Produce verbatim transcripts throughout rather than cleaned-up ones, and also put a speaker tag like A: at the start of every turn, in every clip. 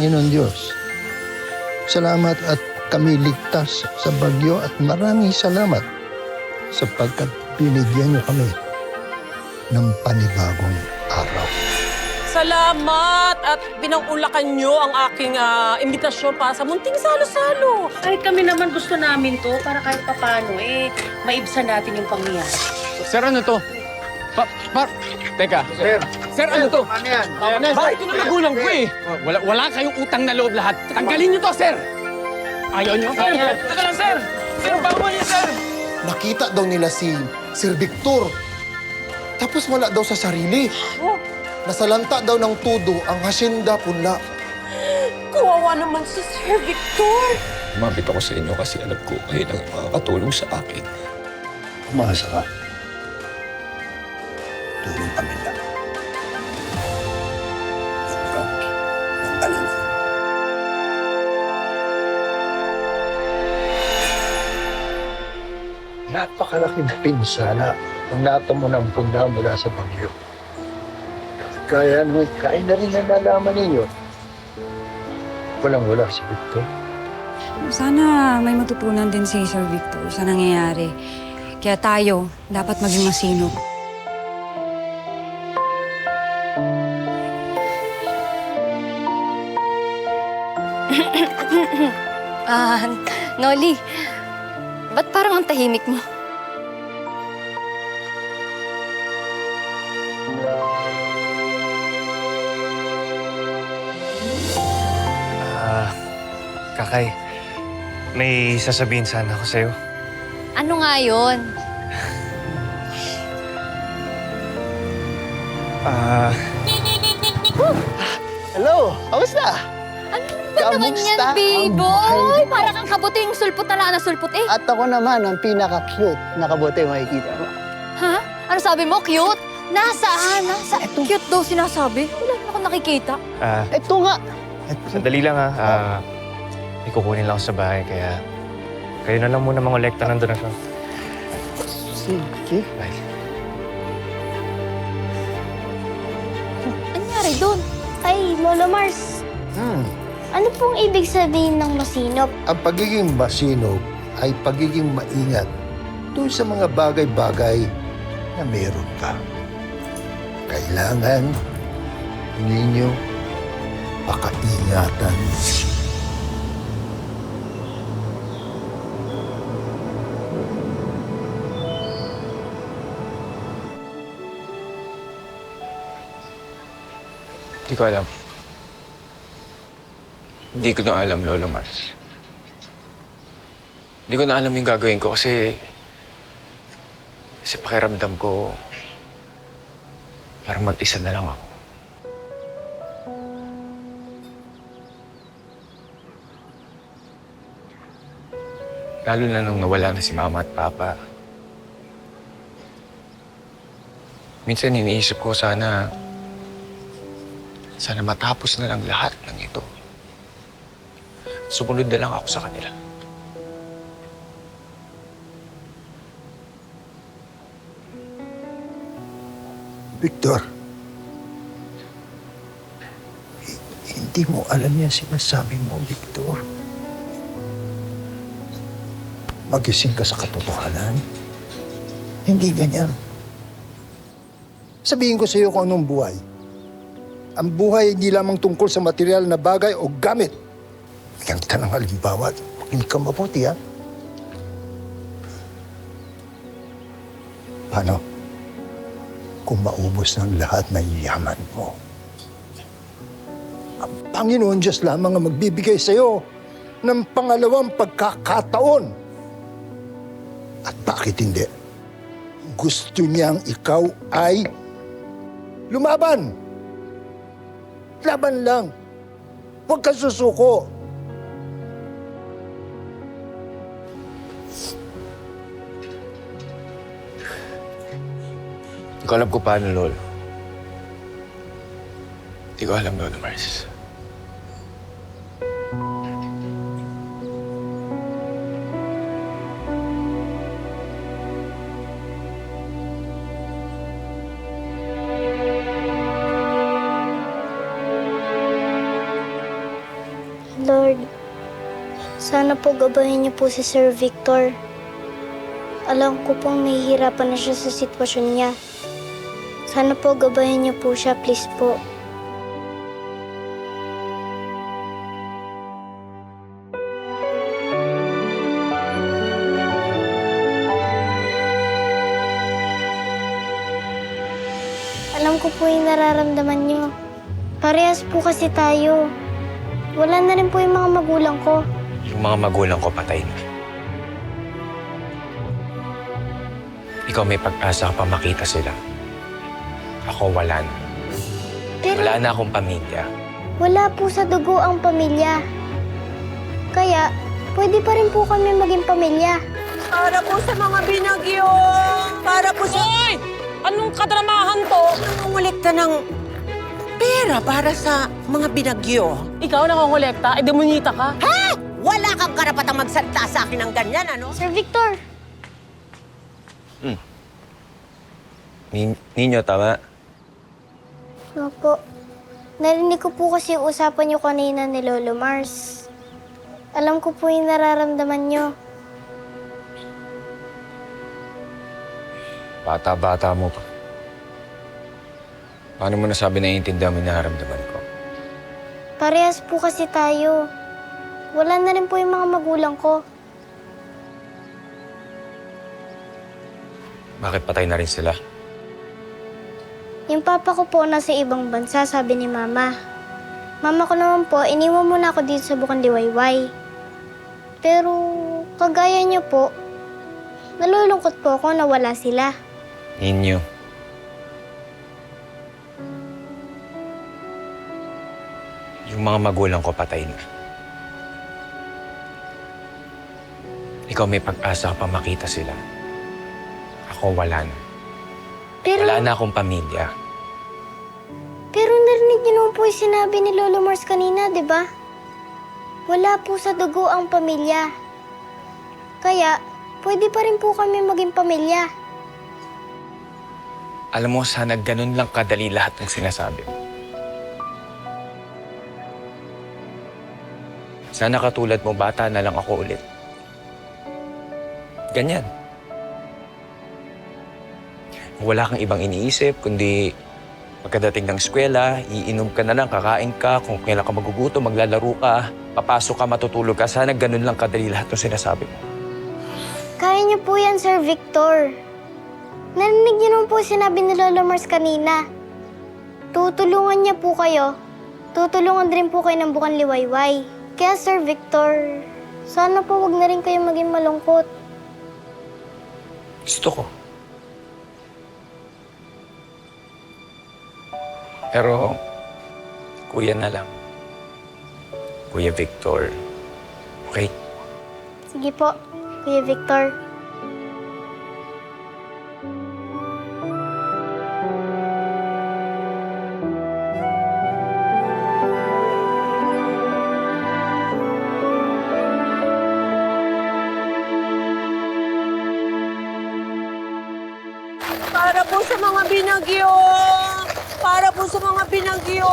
A: Panginoon Diyos. Salamat at kami ligtas sa bagyo at maraming salamat sapagkat binigyan niyo kami ng panibagong araw.
B: Salamat at pinangulakan nyo ang aking ah, imbitasyon para sa munting salo-salo.
C: Kahit kami naman gusto namin to para kahit papano eh, maibsan natin yung pangyayari.
D: Sir, ano to? Pa, pa, teka. Sir. Sir, ano to?
A: Ano yan?
D: Bakit ito na magulang ko eh? Wala, wala kayong utang na loob lahat. Tanggalin niyo to, sir! Ayaw niyo? Sir, teka lang, sir! Sir, bawal niyo, sir!
E: Nakita daw nila si Sir Victor. Tapos wala daw sa sarili. Nasalanta daw ng tudo ang hasyenda punla.
B: Kawawa naman si Sir Victor.
F: Lumapit ako sa inyo kasi alam ko kayo lang makakatulong sa akin.
A: Umasa ka. Tulong kami lang. Ikaw, ang alala. Napakalaking pinsala ang natamo ng punda mula sa bagyo. Kaya naman, kaya na rin nalalaman ninyo. Walang-wala si Victor.
G: Sana may matutunan din si Sir Victor sa nangyayari. Kaya tayo, dapat maging masinop.
H: Ah, Noli, ba't parang ang tahimik mo?
I: Ah, Kakay, may sasabihin sana ako sa'yo.
H: Ano nga yun?
I: Ah,
E: Hello, kamusta?
H: Ano ba naman yan, Biboy? Parang kang kabuting sulpot na lang na sulpot eh.
E: At ako naman ang pinaka-cute na kabote makikita mo.
H: Ha? Ano sabi mo? Cute? Nasaan? Nasa cute daw sinasabi? Wala naman ako nakikita.
I: ah,
E: Ito nga.
I: sandali lang ha. Ah, may kukunin lang ako sa bahay, kaya kayo na lang muna mangolekta ng donasyon.
E: Sige.
I: Bye.
H: Ano nangyari doon?
J: Ay, Lolo Mars,
A: Hmm.
J: ano pong ibig sabihin ng masinop?
A: Ang pagiging masinop ay pagiging maingat doon sa mga bagay-bagay na meron ka. Kailangan ninyo pakaingatan.
F: Hindi ko alam. Hindi ko na alam, Lolo Mars. Hindi ko na alam yung gagawin ko kasi... Kasi pakiramdam ko... Parang mag-isa na lang ako. Lalo na nung nawala na si Mama at Papa. Minsan iniisip ko sana... Sana matapos na lang lahat ng ito. Sumunod na lang ako sa kanila.
A: Victor, hi- hindi mo alam yan sinasabi mo, Victor. Magising ka sa katotohanan. Hindi ganyan. Sabihin ko sa iyo kung anong buhay. Ang buhay hindi lamang tungkol sa material na bagay o gamit. Ang tanang halimbawa, makinig ka mabuti, ha? Paano? Kung maubos ng lahat ng yaman mo. Ang Panginoon Diyos lamang ang magbibigay sa iyo ng pangalawang pagkakataon. At bakit hindi? Gusto niyang ikaw ay lumaban. Laban lang. Huwag kang susuko.
F: Hindi ko alam kung paano, Lolo. Hindi ko alam, Lolo Mars.
J: Sana po gabahin niyo po si Sir Victor. Alam ko pong nahihirapan na siya sa sitwasyon niya. Sana po gabahin niyo po siya, please po. Alam ko po yung nararamdaman niyo. Parehas po kasi tayo. Wala na rin po yung mga magulang ko.
F: Yung mga magulang ko patay na. Ikaw may pag-asa ka pa makita sila. Ako wala na.
J: Pero
F: Wala na akong pamilya.
J: wala po sa dugo ang pamilya. Kaya, pwede pa rin po kami maging pamilya.
B: Para po sa mga binagyo! Para po sa... Hoy! Anong kadramahan to? Nangungulekta ng pera para sa mga binagyo. Ikaw nangungulekta? Eh, demonita ka? Ha? Wala kang karapatang magsalita sa akin ng ganyan, ano?
J: Sir Victor,
F: Nin Ninyo, tama?
J: opo. Narinig ko po kasi yung usapan niyo kanina ni Lolo Mars. Alam ko po yung nararamdaman niyo.
F: Bata-bata mo pa. Paano mo nasabi na iintindihan mo yung nararamdaman ko?
J: Parehas po kasi tayo. Wala na rin po yung mga magulang ko.
F: Bakit patay na rin sila?
J: Yung papa ko po nasa ibang bansa, sabi ni Mama. Mama ko naman po, iniwan muna ako dito sa Bukang Liwayway. Pero, kagaya niyo po, nalulungkot po ako na wala sila.
F: Ninyo. Yung mga magulang ko patay na. Ikaw may pag-asa ka pa makita sila. Ako wala na.
J: Pero,
F: Wala na akong pamilya.
J: pero narinig niyo naman po yung sinabi ni Lolo Mars kanina, di ba? Wala po sa dugo ang pamilya. Kaya, pwede pa rin po kami maging pamilya.
F: Alam mo, sana ganun lang kadali lahat ng sinasabi mo. Sana katulad mo, bata na lang ako ulit. Ganyan. Wala kang ibang iniisip, kundi pagkadating ng eskwela, iinom ka na lang, kakain ka, kung kailan ka magugutom, maglalaro ka, papasok ka, matutulog ka. Sana ganun lang kadali lahat ng sinasabi mo.
J: Kaya niyo po yan, Sir Victor. Narinig niyo naman po sinabi ni Lolo Mars kanina. Tutulungan niya po kayo. Tutulungan din po kayo ng Bukang Liwayway. Kaya, Sir Victor, sana po wag na rin kayo maging malungkot.
F: Gusto ko. Pero, kuya na lang. Kuya Victor. Okay?
J: Sige po, Kuya Victor.
B: Para po sa mga binagyo! Para po sa mga binagyo!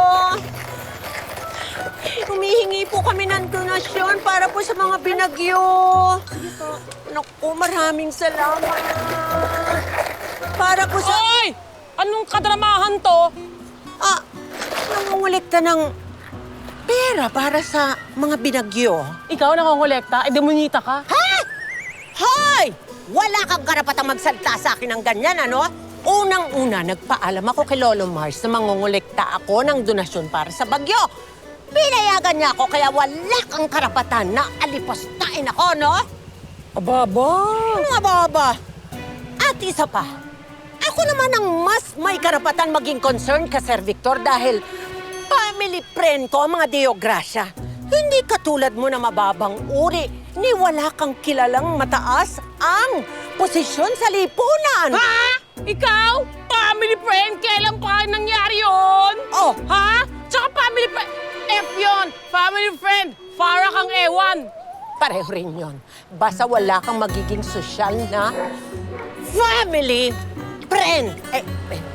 B: Humihingi po kami ng donasyon para po sa mga binagyo. Naku, maraming salamat. Para po sa... Hoy! Anong kadramahan to? Ah, nangungulekta ng pera para sa mga binagyo. Ikaw nangungulekta? Eh, demonita ka? Ha? Hoy! Wala kang karapatang magsalita sa akin ng ganyan, ano? Unang-una, nagpaalam ako kay Lolo Mars na mangungulekta ako ng donasyon para sa bagyo. Pinayagan niya ako kaya wala kang karapatan na alipostain ako, no? Ababa. Ano ababa? At isa pa, ako naman ang mas may karapatan maging concerned ka, Sir Victor, dahil family friend ko ang mga Deo Gracia. Hindi katulad mo na mababang uri ni wala kang kilalang mataas ang posisyon sa lipunan. Ha? Ikaw? Family friend? Kailan pa nangyari yun? Oh. Ha? Tsaka family friend? F yun! Family friend! Para kang ewan! Pareho rin yun. Basta wala kang magiging sosyal na family friend. Eh, eh,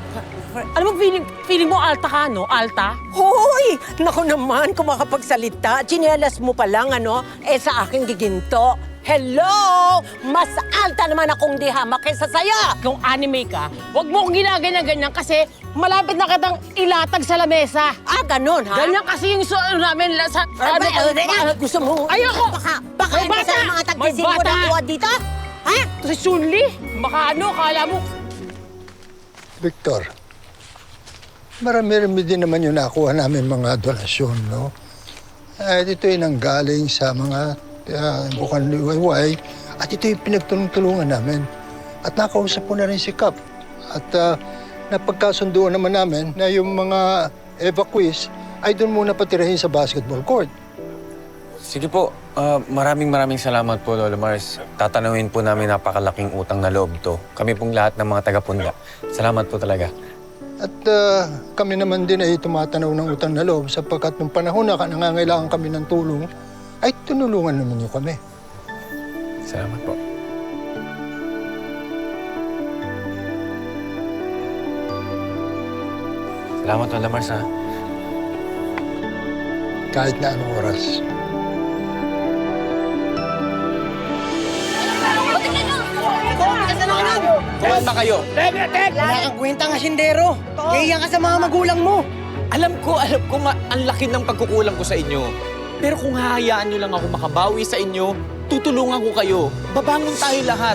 B: Alam mo, feeling, feeling mo alta ka, no? Alta? Hoy! Naku naman, kung makapagsalita. Chinelas mo pa lang, ano? Eh, sa aking giginto. Hello! Mas alta naman akong dihama kaysa saya! Kung anime ka, huwag mo akong ginaganyan-ganyan kasi malapit na kitang ilatag sa lamesa. Ah, ganun, ha? Ganyan kasi yung so, ano namin, la- sa...
H: Ah,
B: ano,
H: ba- eh,
B: gusto mo? Ayoko! Baka, baka
H: May
B: hindi
H: bata!
B: sa mga tagpisin mo na tuwa dito? Ha? Si Sunli? Baka ano, kala mo...
A: Victor, marami-rami din naman yung nakuha namin mga donasyon, no? Eh, ito yung nanggaling sa mga uh, bukang liwayway at ito yung pinagtulong-tulungan namin. At nakausap ko na rin si Kap. At uh, napagkasunduan naman namin na yung mga evacuees ay doon muna patirahin sa basketball court.
F: Sige po, ah, maraming maraming salamat po, Lola Mars. Tatanawin po namin napakalaking utang na loob to. Kami pong lahat ng mga taga-Punda. Salamat po talaga.
A: At uh, kami naman din ay tumatanaw ng utang na loob sapagkat nung panahon na nangangailangan kami ng tulong, ay tunulungan naman niyo kami.
F: Salamat po. Salamat, Lola Mars, ha?
A: Kahit na anong oras.
F: Kumain ba kayo?
B: Wala kang kwentang asindero. Kaya ka sa mga magulang mo.
D: Alam ko, alam ko, ma- ang laki ng pagkukulang ko sa inyo. Pero kung hahayaan nyo lang ako makabawi sa inyo, tutulungan ko kayo. Babangon tayo lahat.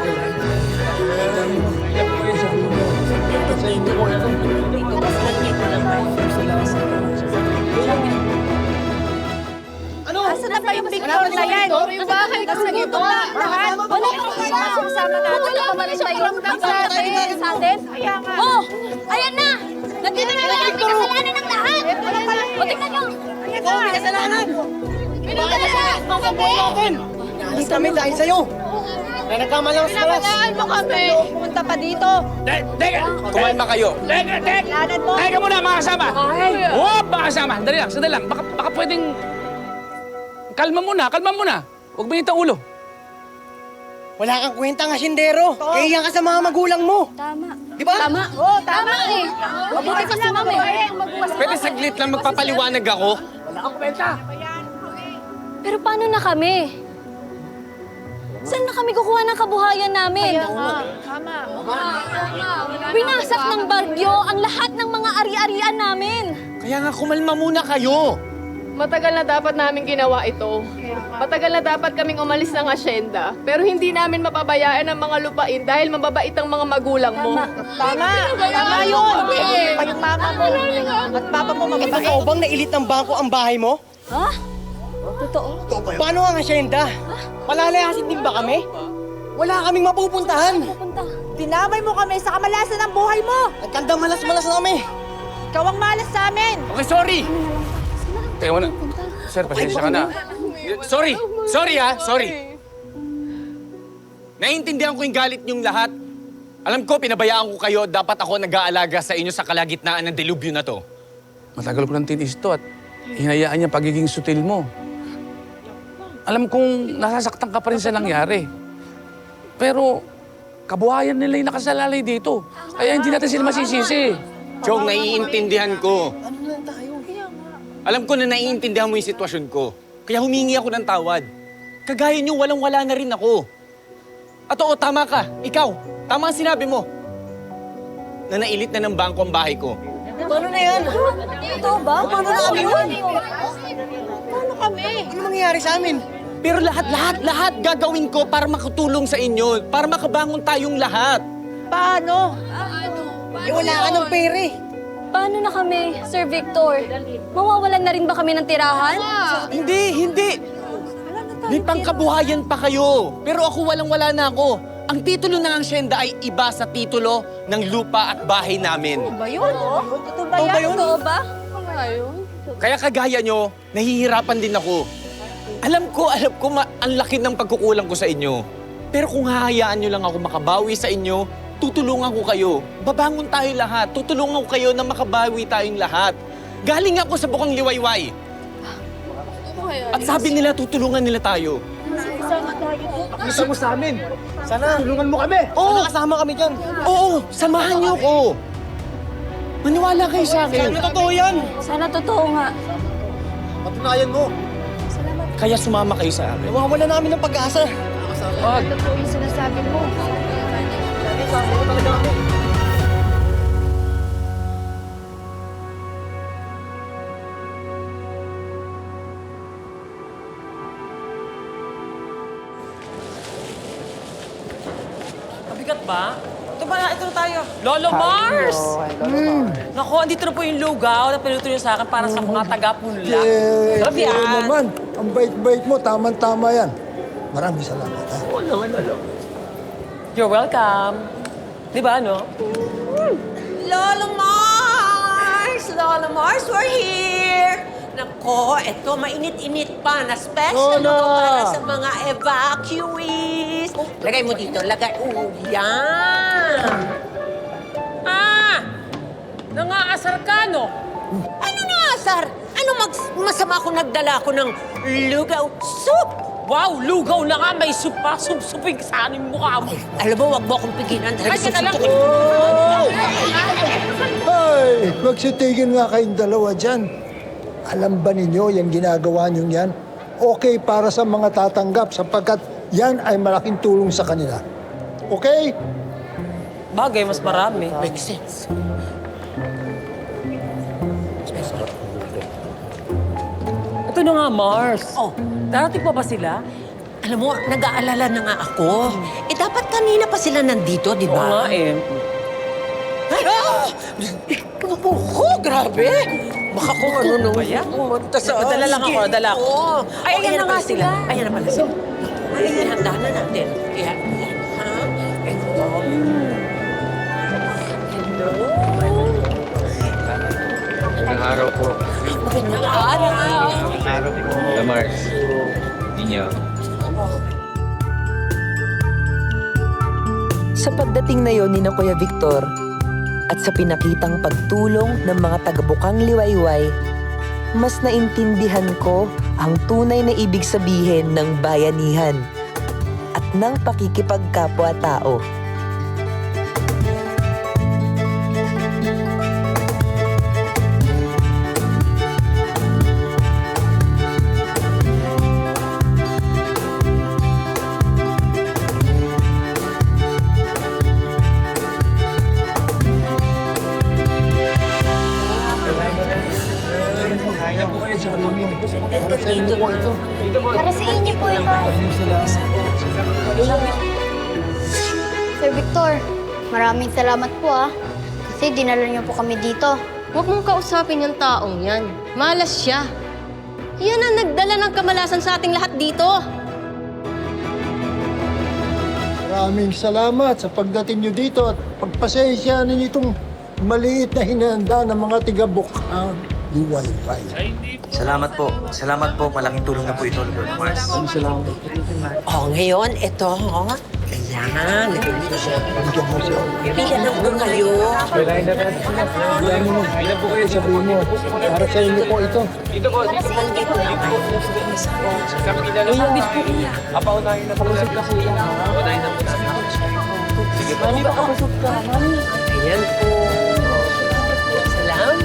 H: Asa na ba yung Victor na yan? Yung bahay ko sa dito na lahat. Wala kang kasama natin. Wala pa rin tayo ramdam sa atin. Sa atin? Oh, ayan na! Nandito na lang may kasalanan ng lahat! O, tingnan nyo!
B: Oo, may kasalanan.
H: Bakit na natin?
B: Alis kami dahil sa'yo. Na nagkamalang sa oras.
H: Pinabayaan mo kami! Pumunta pa dito!
D: Teka! Kumain ba kayo? Teka, teka! Teka muna, mga kasama! Oh, mga kasama! Dali lang, sandali lang. Baka, baka pwedeng... Kalma muna, kalma muna. Huwag mainit ang ulo.
B: Wala kang kwentang asindero. Kaya ka sa mga magulang mo.
H: Tama.
B: Di ba?
H: Tama. Oo, tama eh. Mabuti kasi mami.
D: Pwede saglit lang magpapaliwanag ako.
H: Pero paano na kami? Saan na kami kukuha ng kabuhayan namin? Tama. Winasak ng bagyo ang lahat ng mga ari-arian namin.
D: Kaya nga kumalma muna kayo.
K: Matagal na dapat namin ginawa ito. Matagal na dapat kaming umalis ng asyenda. Pero hindi namin mapabayaan ang mga lupain dahil mababait ang mga magulang mo.
B: Tama. Tama yun. Pa yung mama mo. At papa mo mababait. Ikaw bang nailit ng bangko ang bahay mo?
H: Ha? Totoo?
B: Paano ang asyenda? Palalayasin din ba kami? Wala kaming mapupuntahan.
H: Punta.
B: Dinamay mo kami sa kamalasan ng buhay mo. Nagkandang malas-malas na kami. Ikaw ang malas sa amin.
D: Okay, sorry. Teka muna. Sir, pasensya ka na. Sorry. Sorry, ha. Sorry. Naiintindihan ko yung galit niyong lahat. Alam ko, pinabayaan ko kayo. Dapat ako nag-aalaga sa inyo sa kalagitnaan ng delubyo na to. Matagal ko nang tinis to at hinayaan niya pagiging sutil mo. Alam kong nasasaktan ka pa rin sa nangyari. Pero kabuhayan nila yung nakasalalay dito. Kaya hindi natin sila masisisi. Chong, naiintindihan ko. Alam ko na naiintindihan mo yung sitwasyon ko. Kaya humingi ako ng tawad. Kagaya niyo, walang-wala na rin ako. At oo, tama ka. Ikaw, tama ang sinabi mo. Na nailit na ng bangko ang bahay ko.
B: Paano na yan?
H: Totoo ba?
B: Paano na kami yun?
H: Paano kami?
B: Ano mangyayari sa amin?
D: Pero lahat, lahat, lahat gagawin ko para makatulong sa inyo. Para makabangon tayong lahat.
B: Paano? Eh, wala ka ng pere.
H: Paano na kami, Sir Victor? Mawawalan na rin ba kami ng tirahan?
D: Hindi, hindi. May pangkabuhayan pa kayo. Pero ako walang-wala na ako. Ang titulo ng asyenda ay iba sa titulo ng lupa at bahay namin.
H: Ba yun? Totoo ba
B: Totoo ba
H: yan?
B: yun?
H: Totoo ba?
D: Kaya kagaya nyo, nahihirapan din ako. Alam ko, alam ko, ma- ang laki ng pagkukulang ko sa inyo. Pero kung hahayaan nyo lang ako makabawi sa inyo, tutulungan ko kayo. Babangon tayo lahat. Tutulungan ko kayo na makabawi tayong lahat. Galing ako sa bukang liwayway. At sabi nila, tutulungan nila tayo.
B: Gusto mo sa amin. Sana tulungan mo kami. Oo. Sana kasama kami dyan.
D: Oo, samahan niyo ko.
B: Maniwala kayo sa akin.
H: Sana totoo yan. Sana totoo nga.
E: Patunayan mo.
H: Kaya sumama kayo sa akin.
E: Nawawala namin ng pag-asa.
H: Totoo yung sinasabi mo.
B: Mabigat ba? Ito ba na? Ito na tayo. Lolo Mars! Mm. Naku, andito na po yung lugaw na pinuto niyo sa akin para sa mga taga-punla.
A: Eh,
B: Sarap
A: eh,
B: yan.
A: naman. Ang bait-bait mo, tamang-tama yan. Maraming salamat. Ha?
B: You're welcome. Di ba, no? Lolo Mars! Lolo Mars, we're here! Nako, eto, mainit-init pa na special
A: Lola!
B: to para sa mga evacuees. Lagay mo dito, lagay. Oh, yan! Ah! Nangaasar ka, no? Ano nangaasar? Ano mag masama kung nagdala ko ng lugaw soup? Wow, lugaw na nga, may soup pa. Sup-suping sa aning mukha mo. Alam mo, wag mo akong pigilan. Ay, ka na lang.
A: Ay, magsitigil nga kayong dalawa dyan. Alam ba ninyo yung ginagawa nyo yan? Okay para sa mga tatanggap sapagkat yan ay malaking tulong sa kanila. Okay?
B: Bagay, mas marami. Makes sense. Ito na nga, Mars. Oh, darating pa ba sila? Alam mo, nag-aalala na nga ako. Eh, dapat kanina pa sila nandito, di ba? Oo nga eh. Ay, ah! Ko, grabe! Baka kung ano nung pumunta sa... Dala lang ako, dala ako. Ay, ayan na nga sila. Ayan na pala sila. Ay, ayan, handa na natin. Kaya, ayan, ha? Ito. Hello?
F: Magandang araw po.
B: Magandang araw.
F: Magandang araw po. Hello, Mars. Ninyo.
L: Sa pagdating na yon ni na Kuya Victor at sa pinakitang pagtulong ng mga taga-Bukang Liwayway, mas naintindihan ko ang tunay na ibig sabihin ng bayanihan at ng pakikipagkapwa-tao.
J: Para sa inyo po ito. Sir Victor, maraming salamat po ah. Kasi dinala niyo po kami dito.
H: Huwag mong kausapin yung taong yan. Malas siya. Yan ang nagdala ng kamalasan sa ating lahat dito.
A: Maraming salamat sa pagdating nyo dito at pagpasensya ninyo itong maliit na hinanda ng mga tiga-Bukang Liwayway.
M: Salamat po. Salamat po. Malaking tulong na po ito, Lord Mars. Salamat.
B: Oh, ngayon, ito, oh. Ayan, lagyan mo siya. Pila na po kayo.
A: Kailangan na natin. Kailangan mo. Kailangan po kayo sabihin mo. Para sa inyo po ito.
B: Dito po, dito po. Dito na po. Iyabit po iya.
I: Apaunahin na po natin kasi yan.
B: Apaunahin na po natin. Sige po. Mami, baka kusog ka, mami. Ayan po. Salamat.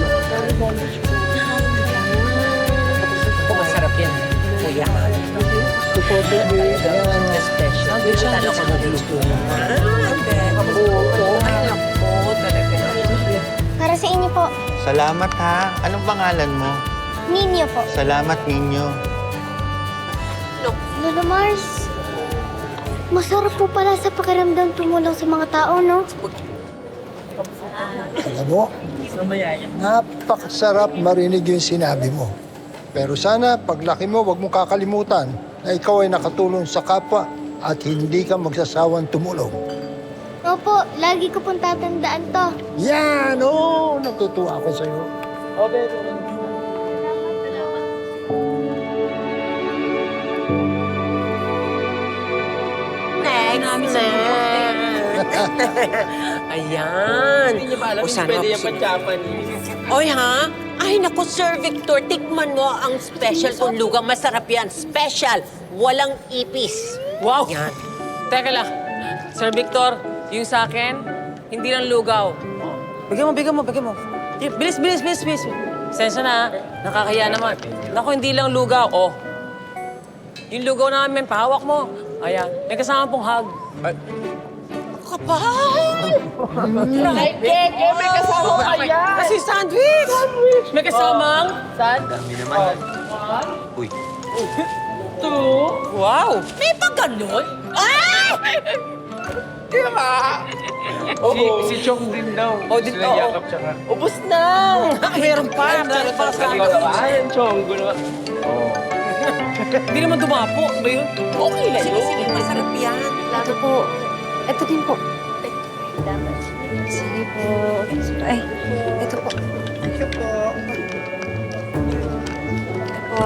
B: Masarap yan. Kuya.
A: Ito po, baby.
B: Special. Talo ko na gusto mo. Oo, ay naku, talaga.
J: Para sa inyo po,
M: Salamat ha. Anong pangalan mo?
J: Ninyo po.
M: Salamat ninyo.
J: Lolo Mars, masarap po pala sa pakiramdam tumulong sa mga tao, no?
A: Alam mo, napakasarap marinig yung sinabi mo. Pero sana, paglaki mo, huwag mong kakalimutan na ikaw ay nakatulong sa kapwa at hindi ka magsasawang tumulong.
J: Opo, lagi ko pong tatandaan to.
A: Yan! Oo, natutuwa ako sa'yo.
B: Next, next. Ayan. Hindi niyo ba alam yung pwede yan pan-Japanese? Oy, ha? Ay, naku, Sir Victor, tikman mo ang special kung lugang. Masarap yan. Special. Walang ipis. Wow. Yan. Teka lang. Sir Victor, yung sa akin, hindi lang lugaw. Bigyan mo, bigyan mo, bigyan mo. Eh, Bilis, bilis, bilis, bilis. Sensya na, ha? Nakakaya naman. Naku, hindi lang lugaw. Oh. Yung lugaw namin, pahawak mo. Ayan, may kasama pong hug. Ay. Kapal! Ay, Keke, may kasama kaya. Kasi sandwich! Sandwich! May kasamang? Sandwich.
M: Dami naman. Uy.
B: Two. Wow! May pa ganun? Ay! Di ba?
D: Si, si Chong din daw.
B: Oh, din,
D: Sila
B: oo.
D: yakap siya nga.
B: Ubus na! Meron pa. Meron pa sa akin.
D: Ayan, Chong. Gulo. Oo.
B: Hindi naman dumapo. Ba yun? Okay lang yun. Sige, sige. Masarap yan.
G: Ito po. Ito din po. Sige po. Ay, ito po. Ito po. Ito po.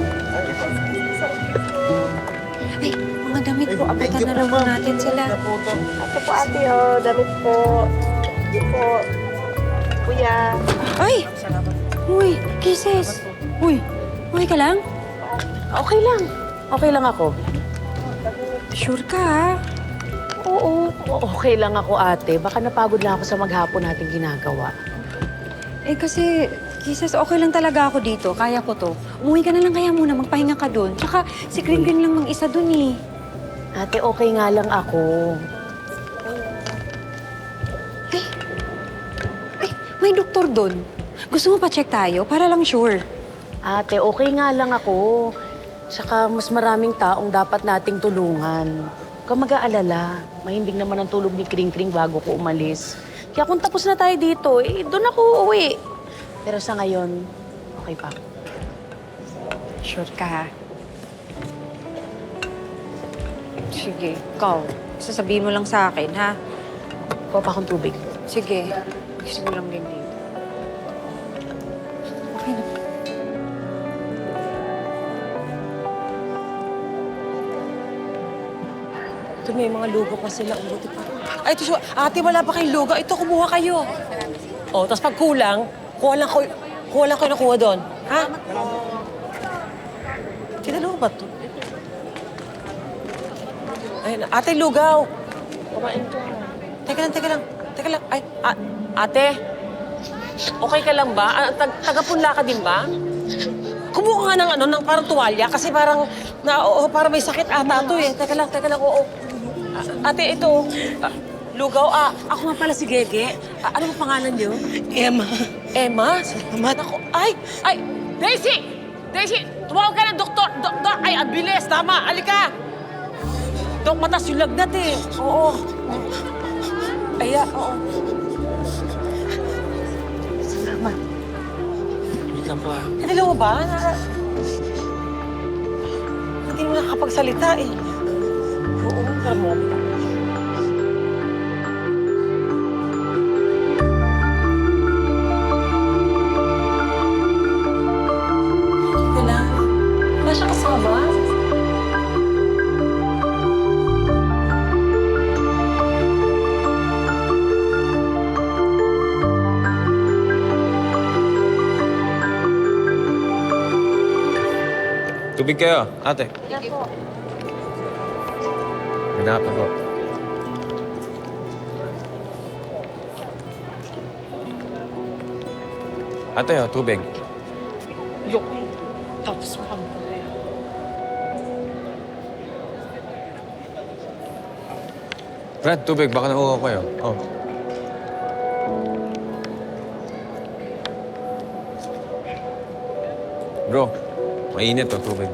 G: Ay, mga damit po. Abutan na lang po natin sila.
H: Ito po ate, oh. Damit po. Ito po. Kuya.
G: Ay! Uy, kisses. Uy, okay ka lang?
C: Okay lang. Okay lang ako.
G: Sure ka, ha?
C: Oo, okay lang ako ate. Baka napagod lang ako sa maghapon nating ginagawa.
G: Eh kasi, Jesus, okay lang talaga ako dito. Kaya ko to. Umuwi ka na lang kaya muna, magpahinga ka doon. Tsaka si Green Green lang mag-isa doon eh.
C: Ate, okay nga lang ako.
G: Eh, eh, may doktor doon. Gusto mo pa-check tayo para lang sure.
C: Ate, okay nga lang ako. Tsaka mas maraming taong dapat nating tulungan. Huwag kang mag-aalala. Mahimbing naman ang tulog ni Kring Kring bago ko umalis. Kaya kung tapos na tayo dito, eh, doon ako uuwi. Pero sa ngayon, okay pa.
G: Sure ka, ha? Sige, ikaw. Sasabihin mo lang sa akin, ha?
C: Kuha pa akong tubig.
G: Sige. Gusto mo lang din dito. Okay na.
B: Ito, may mga lugo pa sila. Umuti pa. Ay, ito, siya. Ate, wala pa kayong lugo. Ito, kumuha kayo. O, tapos pag kulang, kuha lang ko, kuha lang kayo nakuha doon. Ha? Tinalo ba ito? Ayun, ate, lugaw. Kumain to. Teka lang, teka lang. Teka lang. Ay, a- ate. Okay ka lang ba? Ah, tag Taga-punla ka din ba? Kumuha nga ng ano, ng parang tuwalya kasi parang, na, oo, parang may sakit ata ito eh. Teka lang, teka lang, oo. A- ate, ito. Ah, lugaw, ah, ako nga pala si Gege. Ah, ano ang pangalan niyo? Emma. Emma? Salamat. Ako, ay, ay, Daisy! Daisy, tumawag ka ng doktor. Doktor, ay, ang bilis, tama, alika. Dok, matas yung lagnat eh. Oo. Aya, oo. Salamat.
D: Wait lang po ah.
B: Kanila mo ba? Na... Hindi mo nakakapagsalita eh. Oo, pero mo. Teka lang. Wala siya kasama?
F: Tubig kayo, ate.
H: Yan po.
F: Ganapan ko. Ate, oh, tubig.
B: Yok. Tapos mo kami.
F: Brad, tubig. Baka nauuhaw kayo. Oh. Bro, mainit to tubig.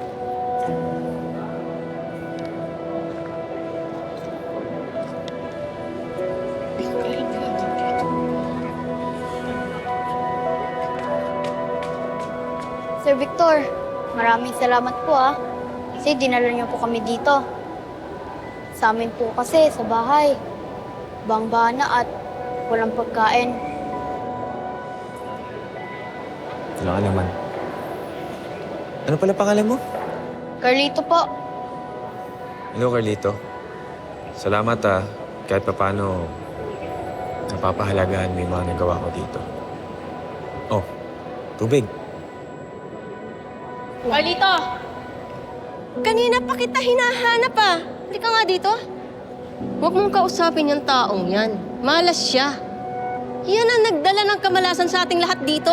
J: Sir Victor, maraming salamat po ah. Kasi dinala niyo po kami dito. Sa amin po kasi sa bahay, bangbana at walang pagkain.
F: Wala ka naman. Ano pala pangalan mo?
J: Carlito po.
F: Hello, Carlito. Salamat ah. Kahit papano, napapahalagahan mo yung mga nagawa ko dito. Oh, tubig.
H: Carlito! Kanina pa kita hinahanap ah. Hindi ka nga dito. Huwag mong kausapin yung taong yan. Malas siya. Yan ang nagdala ng kamalasan sa ating lahat dito.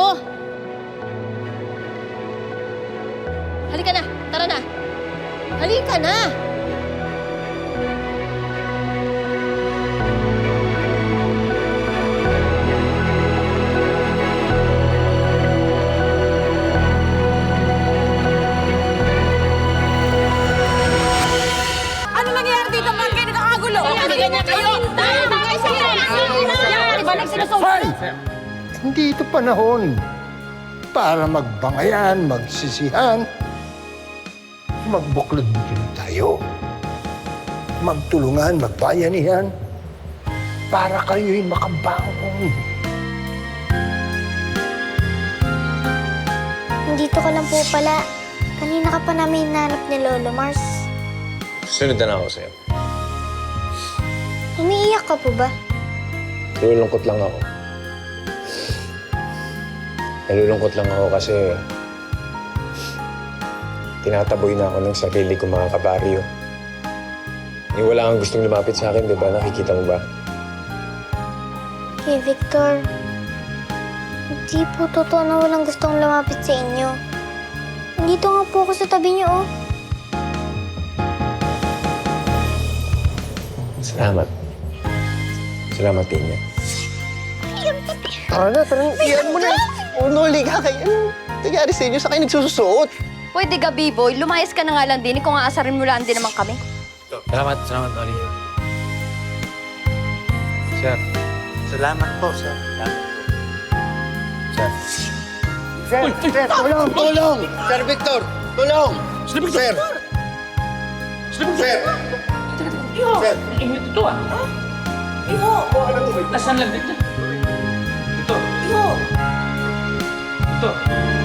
H: Halika na, tara na. Halika na.
B: Ano nangyayari dito? Bakit kayo nakakagulo?
H: Ganyan kayo. Tama kayo sa
B: Iba lang sinusunod.
A: Hoy! Hindi ito panahon para magbangayan, magsisihan. Magbuklod-buklod tayo. Magtulungan, magbayanihan para kayo'y makabangon.
J: Nandito ka lang po pala. Kanina ka pa namin hinanap ni Lolo Mars.
F: Sunod na ako sa'yo.
J: Umiiyak ka po ba?
F: Nalulungkot lang ako. Nalulungkot lang ako kasi tinataboy na ako ng sarili ko, mga kabaryo. Yung wala kang gustong lumapit sa akin, di ba? Nakikita mo ba?
J: Kay Victor, hindi po totoo na walang gustong lumapit sa inyo. Nandito nga po ako sa tabi niyo, oh.
F: Salamat. Salamat din niya.
E: Tara na, tara na. Iyan mo na. Unuli ka kayo. Ano nangyari sa inyo? Sa kayo nagsususuot?
H: Pwede ka, B-boy. Lumayas ka na nga lang din. Kung aasarin mo lang din naman kami.
M: Salamat, salamat, Oli. Sir. Salamat po, sir. Salamat po. Sir.
E: Sir, sir, tulong, tulong! Sir Victor, tulong!
D: Sir Victor!
E: Sir! Sir! Sir!
D: Ingat ito ah. Iho! Nasaan lang dito? Ito. Iho! Ito.